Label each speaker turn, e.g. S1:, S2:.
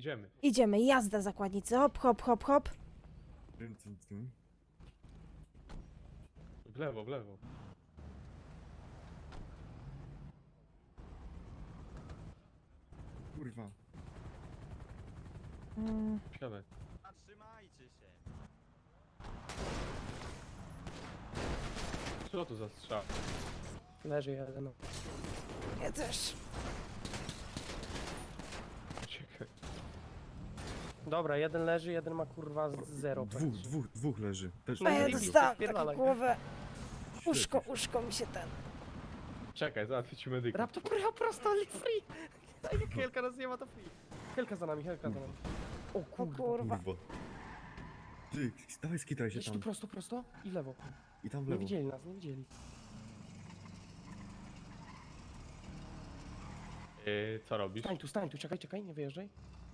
S1: idziemy.
S2: Idziemy, jazda zakładnicy, hop, hop, hop, hop.
S1: W lewo, w lewo.
S3: Kurwa.
S1: Siadaj.
S4: Zatrzymajcie się.
S1: Co to za strzał?
S5: Leży jeden.
S2: Ja też.
S1: Czekaj.
S5: Dobra, jeden leży, jeden ma kurwa zero.
S3: Dwóch leży. Też
S2: A ja
S5: Leży.
S2: dostałam
S5: Spierdalaj.
S2: taką głowę. Uszko mi się ten.
S1: Czekaj, załatwię ci medyka.
S5: Raptor prosto, free! Jak Helka nas nie ma, to free. Helka za nami, Helka za nami. O
S2: O
S5: kurwa.
S2: kurwa.
S3: Kurwa. Ty, dawaj skitraj się
S5: Jedź tu
S3: tam.
S5: prosto i w lewo.
S3: I tam w
S5: Nie
S3: lewo.
S5: widzieli nas, nie widzieli.
S1: Co robisz?
S5: Stań tu, czekaj, nie wyjeżdżaj.